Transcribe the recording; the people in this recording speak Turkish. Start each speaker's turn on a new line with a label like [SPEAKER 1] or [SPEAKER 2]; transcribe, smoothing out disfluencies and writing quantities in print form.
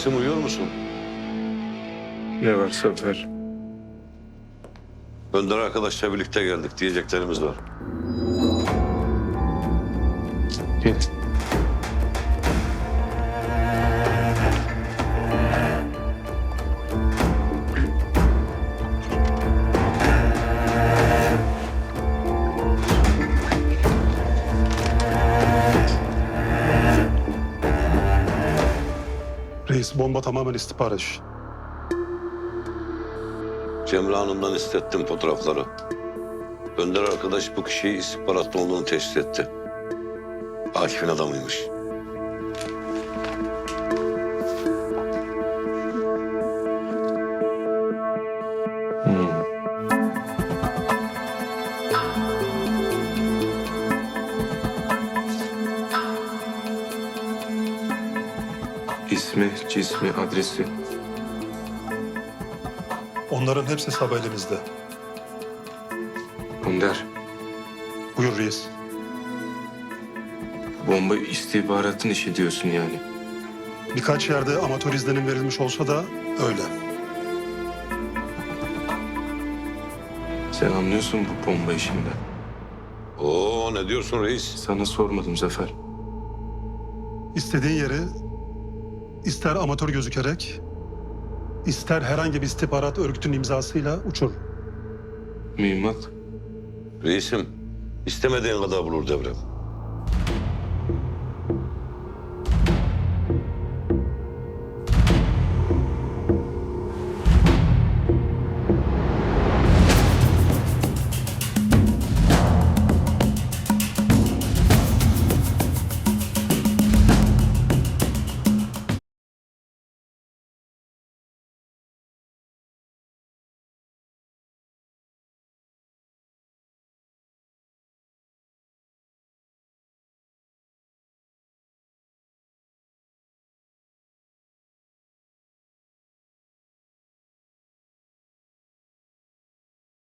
[SPEAKER 1] Reisim uyuyor musun?
[SPEAKER 2] Ne var Zafer?
[SPEAKER 1] Önder arkadaşla birlikte geldik. Diyeceklerimiz var.
[SPEAKER 2] Git.
[SPEAKER 3] Reis, bomba tamamen istihbarat işi.
[SPEAKER 1] Cemre Hanım'dan istettim fotoğrafları. Önder arkadaş bu kişiyi istihbaratta olduğunu teşhis etti. Akif'in adamıymış.
[SPEAKER 2] İsmi, cismi, adresi.
[SPEAKER 3] Onların hepsi hesabı elimizde.
[SPEAKER 2] Önder,
[SPEAKER 3] Buyur reis.
[SPEAKER 2] bomba istihbaratın işi diyorsun yani.
[SPEAKER 3] Birkaç yerde amatör izlenim verilmiş olsa da öyle.
[SPEAKER 2] Sen anlıyorsun bu bomba işinden.
[SPEAKER 1] Oo, ne diyorsun reis?
[SPEAKER 2] Sana sormadım Zafer.
[SPEAKER 3] İstediğin yeri ister amatör gözükerek, ister herhangi bir istihbarat örgütünün imzasıyla uçur.
[SPEAKER 2] Mühimmat.
[SPEAKER 1] Reisim, istemediğin kadar bulur devrem.